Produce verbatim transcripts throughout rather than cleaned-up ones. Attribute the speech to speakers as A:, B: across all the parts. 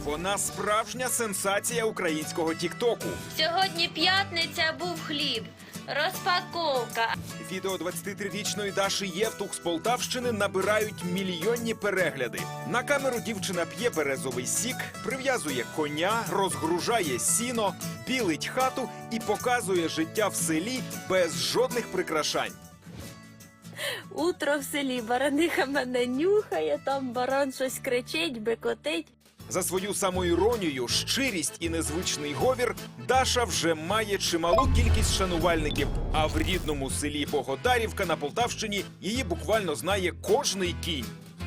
A: Вона справжня сенсація українського тіктоку.
B: Сьогодні п'ятниця, був хліб. Розпаковка.
A: Відео двадцятитрирічної Даші Євтух з Полтавщини набирають мільйонні перегляди. На камеру дівчина п'є березовий сік, прив'язує коня, розгружає сіно, білить хату і показує життя в селі без жодних прикрашань.
B: Утро в селі, бараниха мене нюхає, там баран щось кричить, бекотить.
A: За свою самоіронію, щирість і незвичний говір Даша вже має чималу кількість шанувальників. А в рідному селі Богодарівка на Полтавщині її буквально знає кожний кінь.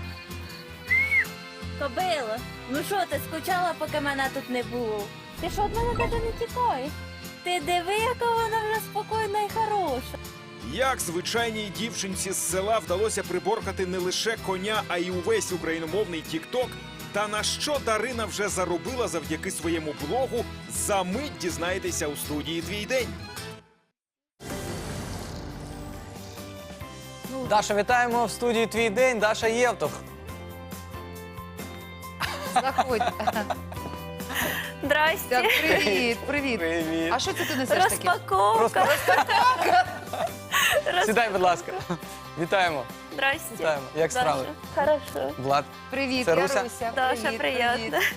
B: Кобило, ну що ти, скучала, поки мене тут не було? Ти що, від мене навіть не тікаєш? Ти диви, яка вона вже спокійна і хороша.
A: Як звичайній дівчинці з села вдалося приборкати не лише коня, а й увесь україномовний тікток, та на що Дарина вже заробила завдяки своєму блогу, за мить дізнаєтеся у студії «Твій день».
C: Даша, вітаємо в студії «Твій день». Даша Євтух.
D: Заходь.
B: Здрасте.
D: Так, привіт, привіт.
C: Привіт.
D: А що це ти несеш таке?
B: Розпаковка.
C: Сідай, будь ласка. Вітаємо.
B: Здрасте.
C: Вітаємо. Як справи?
B: Хорошо.
C: Влад.
D: Привіт,
C: Це
D: я
C: Руся?
D: Руся.
B: Даша,
D: Привіт,
B: приємно.
D: привіт.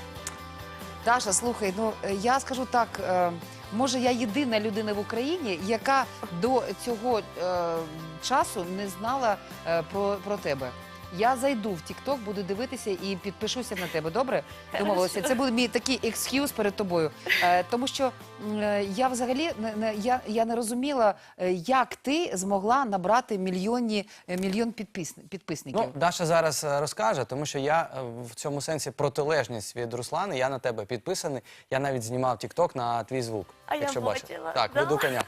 D: Даша, слухай, ну е, я скажу так, е, може я єдина людина в Україні, яка до цього е, часу не знала е, про, про тебе. Я зайду в TikTok, буду дивитися і підпишуся на тебе, добре? Домовилися. Це буде мій такий екскюз перед тобою. Е, тому що е, я взагалі не, не, я, я не розуміла, е, як ти змогла набрати мільйонні, е, мільйон підпис, підписників.
C: Ну, Даша зараз е, розкаже, тому що я е, в цьому сенсі протилежність від Руслани. Я на тебе підписаний. Я навіть знімав тікток на твій звук.
B: А я
C: якщо бачив.
B: бачила.
C: Так,
B: Да?
C: веду коня.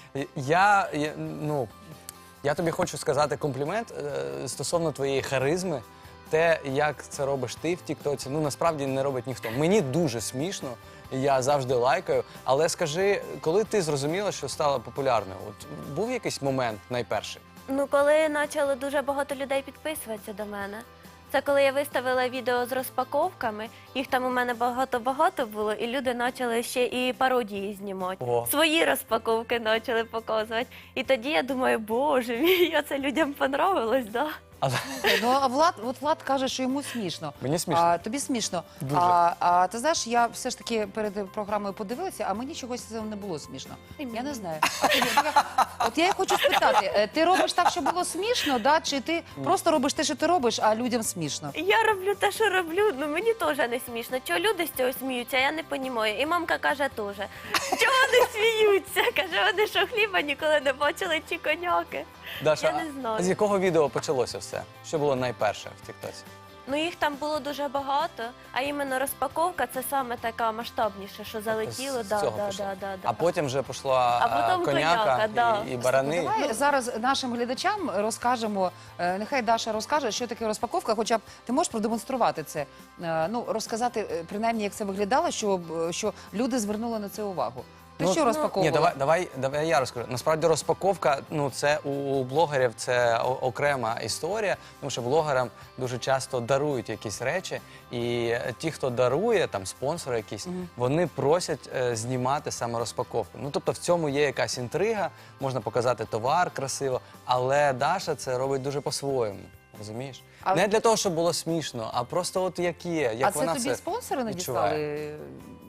C: Я, я, ну, я тобі хочу сказати комплімент е, стосовно твоєї харизми. Те, як це робиш ти в тіктоці, ну насправді не робить ніхто. Мені дуже смішно, я завжди лайкаю. Але скажи, коли ти зрозуміла, що стала популярною? От був якийсь момент найперший?
B: Ну, коли почало дуже багато людей підписуватися до мене. Це коли я виставила відео з розпаковками, їх там у мене багато-багато було, і люди почали ще і пародії знімати.
C: Ого.
B: Свої розпаковки почали показувати. І тоді я думаю, боже мій, а це людям понравилось, да?
C: Але
D: Ну, а Влад, от Влад каже, що йому смішно.
C: Мені смішно.
D: А, тобі смішно.
C: Дуже.
D: А, а ти знаєш, я все ж таки перед програмою подивилася, а мені чогось це не було смішно. Я не знаю. А тобі, от я й хочу спитати, е, ти робиш так, щоб було смішно, да? Чи ти просто робиш те, що ти робиш, а людям смішно?
B: Я роблю те, що роблю, ну мені теж не смішно. Чого люди з цього сміються, я не розумію. І мамка каже теж, чого вони сміються? Каже, вони що хліба ніколи не бачили чи коняки.
C: Даша,
B: Я не знаю.
C: а з якого відео почалося все? Що було найперше в тіктоці?
B: Ну їх там було дуже багато, а іменно розпаковка це саме така масштабніша, що залетіло.
C: З
B: Да,
C: цього
B: да,
C: пішло.
B: да, да, да.
C: А потім вже пішла
B: А потім
C: коняка,
B: коняка, да.
C: і, і барани.
D: Давай зараз нашим глядачам розкажемо, е, нехай Даша розкаже, що таке розпаковка, хоча б ти можеш продемонструвати це, е, ну, розказати, е, принаймні, як це виглядало, щоб, е, що люди звернули на це увагу. Ти
C: Ну,
D: що
C: ну,
D: розпаковувала?
C: Ні, давай, давай, давай я розкажу. Насправді розпаковка, ну це у блогерів це о- окрема історія, тому що блогерам дуже часто дарують якісь речі, і ті, хто дарує, там спонсори якісь, вони просять е, знімати саме розпаковку. Ну тобто в цьому є якась інтрига, можна показати товар красиво, але Даша це робить дуже по-своєму. Розумієш?
D: А-
C: Не для того, щоб було смішно, а просто от як є, як
D: а це
C: вона
D: тобі
C: це
D: спонсори
C: відчуває.
D: надіслали?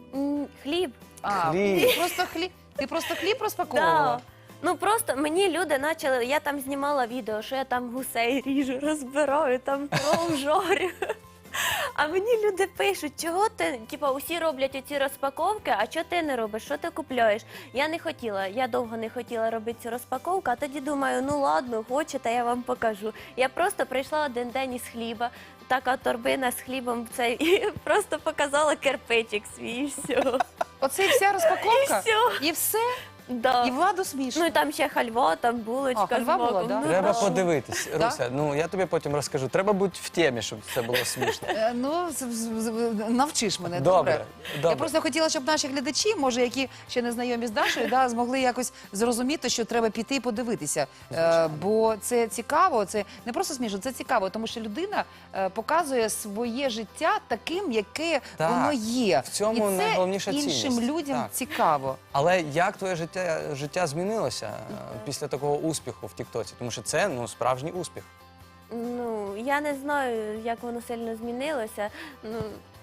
B: М, Хліб.
D: А,
C: Хліб.
D: Ти просто хліб, ти просто хліб розпаковувала?
B: Да. Ну просто мені люди почали, я там знімала відео, що я там гусей ріжу, розбираю, там кров жарю. А мені люди пишуть, чого ти, типа, усі роблять оці розпаковки, а чого ти не робиш, що ти купляєш? Я не хотіла, я довго не хотіла робити цю розпаковку, а тоді думаю, ну ладно, хочете, я вам покажу. Я просто прийшла один день із хліба, така торбина з хлібом, це, і просто показала кирпичик свій, і все.
D: Оце і вся розпаковка?
B: І все.
D: І все?
B: Да.
D: І Владу смішно.
B: Ну і там ще хальва, там булочка
D: А, хальва
B: з маком.
D: була, да?
B: Ну,
C: Треба
B: да.
C: подивитись,
D: Да?
C: Руся. Ну я тобі потім розкажу. Треба бути в темі, щоб це було смішно.
D: Е, Ну, з- з- з- навчиш мене,
C: Добре,
D: добре?
C: добре.
D: Я просто хотіла, щоб наші глядачі, може, які ще не знайомі з Дашою, да, змогли якось зрозуміти, що треба піти і подивитися. Е, бо це цікаво, це не просто смішно, це цікаво, тому що людина е, показує своє життя таким, яке
C: Так,
D: воно є.
C: в цьому
D: і це
C: найголовніша
D: іншим
C: цінність.
D: людям
C: Так.
D: цікаво.
C: Але як твоє життя, життя змінилося е, після такого успіху в Тіктоці? Тому що це ну справжній успіх.
B: Ну, я не знаю, як воно сильно змінилося. Ну,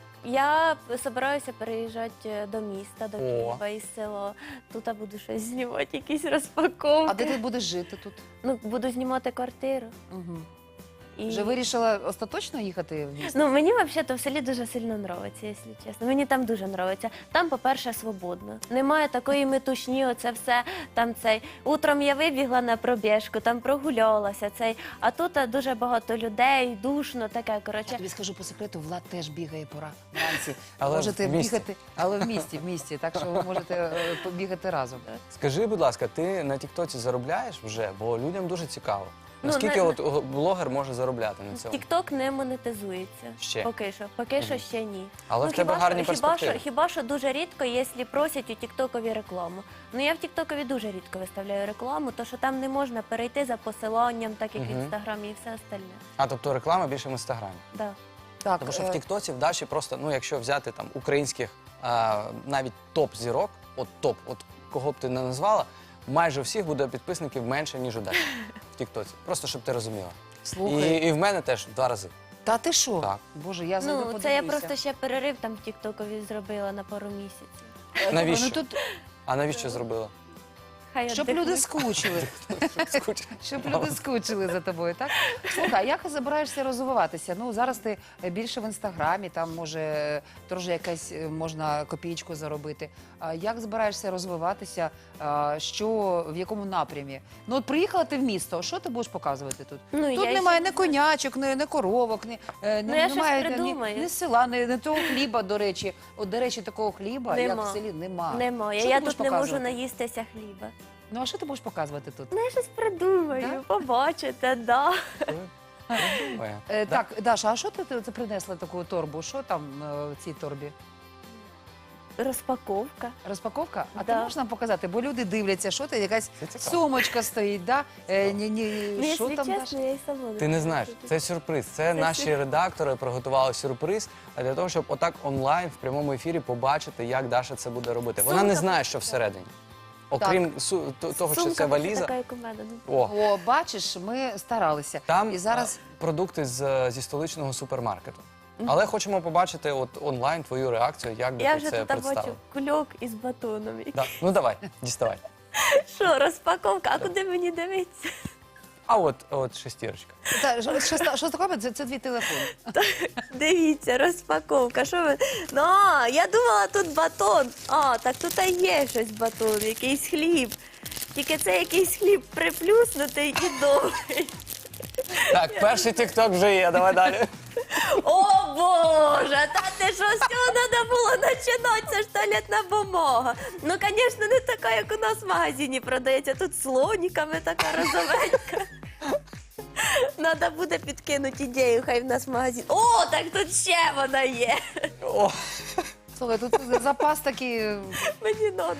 B: я збираюся переїжджати до міста, до
C: О.
B: Києва із села. Тут я буду щось знімати, якісь розпаковки.
D: А де ти будеш жити тут?
B: Ну, буду знімати квартиру.
D: Угу.
B: І...
D: Вже вирішила остаточно їхати в місто?
B: Ну, мені взагалі в селі дуже сильно подобається, якщо чесно. Мені там дуже подобається. Там, по-перше, свободно. Немає такої метушні, оце все там цей. Утром я вибігла на пробіжку, там прогулялася цей. А тут а, дуже багато людей, душно, таке,
D: Я
B: коротше.
D: тобі скажу по секрету, Влад теж бігає пора вранці.
C: Але
D: можете
C: в місті.
D: бігати, але в місті, в місті, так що ви можете е, побігати разом.
C: Скажи, будь ласка, ти на Тіктоці заробляєш вже? Бо людям дуже цікаво.
B: Ну,
C: Наскільки
B: на-
C: от о, блогер може заробляти на цьому?
B: Тікток не монетизується.
C: Ще?
B: Поки що. Поки що ще ні.
C: Але
B: ну,
C: в тебе
B: хіба
C: гарні
B: що, хіба
C: перспективи.
B: що, хіба що дуже рідко, якщо просять у Тіктокові рекламу. Ну я в Тіктокові дуже рідко виставляю рекламу, то що там не можна перейти за посиланням, так як в
C: Мгм.
B: інстаграмі і все остальне.
C: А тобто реклама більше в інстаграмі.
B: Да.
D: Так,
C: Тому що
D: е,
C: в Тіктоці в Даші просто, ну якщо взяти там українських а, навіть топ-зірок, от топ, от кого б ти не назвала, майже у всіх буде підписників менше, ніж у Даші в Тіктоці. Просто щоб ти розуміла.
D: слухай,
C: І, і в мене теж в два рази.
D: та ти що?
C: Так.
D: Боже, я зайду
B: Ну, це я
D: подивлюся.
B: просто ще перерив там в Тіктокові зробила на пару місяців.
D: Е,
C: Навіщо?
D: Ну, тут,
C: А навіщо зробила?
B: Хай
D: щоб
B: віддихнуть.
D: люди скучили.
C: Скучно.
D: Щоб люди скучили за тобою, так? Слухай, а як збираєшся розвиватися? Ну, зараз ти більше в інстаграмі, там може теж якась е, можна копійку заробити. А як збираєшся розвиватися? А, що, в якому напрямі? Ну, от приїхала ти в місто, що ти будеш показувати тут?
B: Ну,
D: Тут
B: я
D: немає
B: ще
D: ні конячок, ні, ні коровок, ні, е,
B: Ну,
D: ні-
B: я щось
D: немає ні,
B: придумаю.
D: ні села, ні, ні того хліба, до речі. От, до речі, такого хліба, як
B: Нема.
D: в селі, нема.
B: Немає.
D: Що
B: Я
D: ти будеш
B: тут не можу
D: показувати?
B: наїстися хліба.
D: Ну, а що ти будеш показувати тут?
B: Ну, я щось придумаю,
D: Да?
B: побачите, да.
C: Думає.
D: Е,
C: Да?
D: Так, Даша, а що ти, ти принесла таку торбу? Що там е, в цій торбі?
B: Розпаковка.
D: Розпаковка? А
B: Да.
D: ти можеш нам показати? Бо люди дивляться, що ти, якась
C: Це цікаво.
D: сумочка стоїть, да? Е, ні, ні,
B: Ну,
D: що
B: якщо
D: там,
B: чесно,
D: Даша?
B: я й сама не
C: Ти не
B: знаю,
C: знаєш,
B: що
C: це сюрприз. Це наші
B: сюр-
C: редактори приготували сюрприз для того, щоб отак онлайн в прямому ефірі побачити, як Даша це буде робити. Вона не
B: Сумка
C: знає, що всередині. Окрім су- то- того, що
B: Сумка
C: це
B: буде
C: валіза.
B: така, як у мене. ну.
C: О,
D: О, бачиш, ми старалися.
C: там
D: І зараз
C: а, продукти з, зі столичного супермаркету. Але хочемо побачити от онлайн твою реакцію, як би
B: Я
C: ти
B: вже
C: це
B: тут бачу
C: представив.
B: кульок із батоном.
C: Да. Ну давай, діставай.
B: Що, розпаковка? А куди мені дивитися?
C: А от, от шестірочка.
D: та, що, що, ста- що таке? Це, це твій телефон.
B: Дивіться, розпаковка. Що ви? Ну, а, я думала, тут батон. А, так тут і є щось батон, якийсь хліб. Тільки це якийсь хліб приплюснутий і довгий.
C: Так, перший тікток вже є, давай далі.
B: О, Боже, та ти що, з цього треба було починати, це ж туалетна бумага. Ну, звісно, не така, як у нас в магазині продається. Тут слоніками така розовенька. Треба буде підкинути ідею, хай в нас магазин. О, так тут ще вона є.
C: О,
D: Слухай, тут запас такий. е,
B: Мені треба.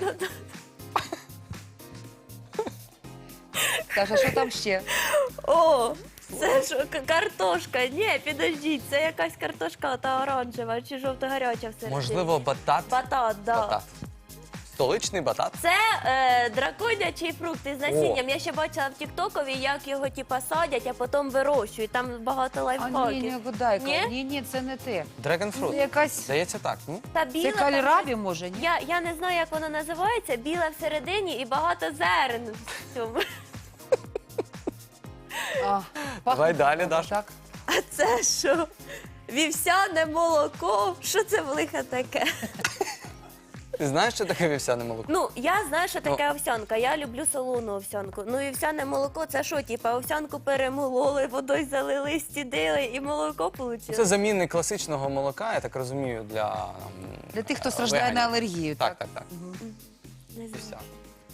D: Даша, що там ще?
B: О, це що, к- картошка? Ні, підождіть, це якась картошка та оранжева чи жовто-гаряча всередині.
C: можливо, батат.
B: Батат, да.
C: Батат. Столичний батат.
B: Це е, драконячий фрукт із насінням. Я ще бачила в Тіктокові, як його типа садять, а потім вирощують. Там багато
D: А
B: лайфхаків.
D: ні, ні, гудайка.
B: Ні?
D: Ні, ні, це не те.
C: Драгонфрут.
D: Це якась.
C: Здається, так. Ну?
B: Та
D: Це
B: біла
D: кальрабі, може, ні?
B: Я, я не знаю, як воно називається. Біла всередині і багато зерен в цьому.
D: А,
C: Давай
D: пахне
C: далі,
D: добре,
C: Даша.
D: Так.
B: А це що? Вівсяне молоко? Що це в лиха таке?
C: Ти знаєш, що таке вівсяне молоко?
B: Ну, я знаю, що таке овсянка. Я люблю солону овсянку. Ну, і вівсяне молоко це що, типа, овсянку перемололи, водою залили, стідили і молоко вийшло?
C: Це замінник класичного молока, я так розумію, для ем,
D: Для тих, хто
C: е,
D: страждає
C: веганів.
D: на алергію,
C: Так,
D: так?
C: так, так.
B: Не знаю.
C: Вівсяне.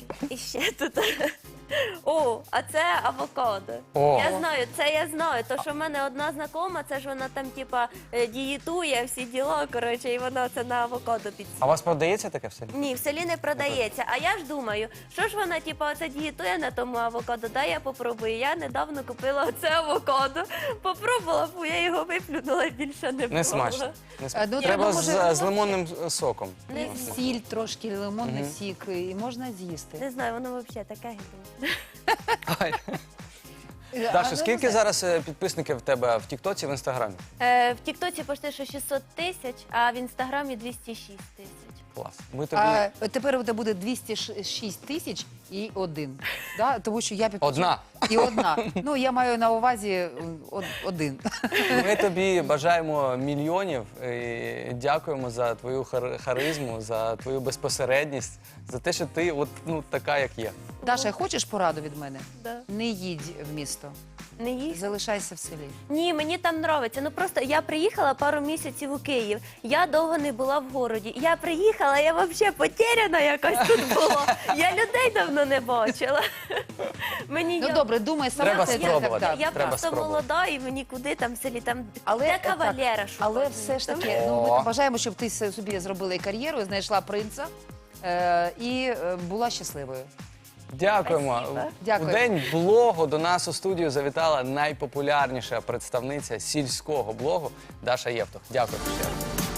B: І ще тут. О, а це авокадо.
C: О.
B: Я знаю, це я знаю. То, що в мене одна знакома, це ж вона там, типа, е, дієтує, всі діла, коротше, і вона це на авокадо
C: А
B: підсіла.
C: у вас продається таке в селі?
B: Ні, в селі не продається. А я ж думаю, що ж вона, типа, оце дієтує на тому авокадо, дай я попробую. Я недавно купила оце авокадо, попробувала, фу, я його виплюнула, більше не було.
C: Не смачно. Не смачно.
D: А, ну,
C: Треба
D: ну,
C: з,
D: може,
C: з лимонним соком.
B: Не,
D: Сіль трошки, лимонний
C: Мгм.
D: сік, і можна з'їсти.
B: не знаю, воно взагалі таке гидне.
C: Ай.
D: Е, а,
C: Даша,
D: ну,
C: скільки
D: не знаю.
C: зараз е, підписників в тебе в Тіктоці, в Інстаграмі?
B: Е, в Тіктоці почти що шістсот тисяч, а в Інстаграмі двісті шість тисяч.
C: Клас. Ми тобі...
D: А тепер у тебе буде двісті шість тисяч і один. Да? Тому що я підписала.
C: Одна.
D: І одна. Ну, я маю на увазі м, од- один.
C: Ми тобі бажаємо мільйонів і дякуємо за твою хар- харизму, за твою безпосередність, за те, що ти от, ну, така, як є.
D: Даша, хочеш пораду від мене?
B: Да.
D: Не їдь в місто.
B: Не їсть?
D: Залишайся в селі.
B: Ні, мені там подобається. Ну просто я приїхала пару місяців у Київ. Я довго не була в городі. Я приїхала, я взагалі потеряна якась тут була. Я людей давно не бачила. Мені
D: Ну
B: я-
D: добре, думай сама.
C: Треба
D: це так,
C: спробувати.
D: так.
B: Я
C: Треба
B: просто
C: спробувати.
B: молода і мені куди там в селі там
D: Але,
B: де
D: е, так,
B: кавалера шукати.
D: Але все ж таки, ну,
C: О.
D: ми бажаємо, щоб ти с- собі зробила і кар'єру, знайшла принца е, і е, була щасливою.
C: Дякуємо.
B: Спасибо.
D: Дякую.
C: У день блогу до нас у студію завітала найпопулярніша представниця сільського блогу Даша Євтух. Дякую ще раз.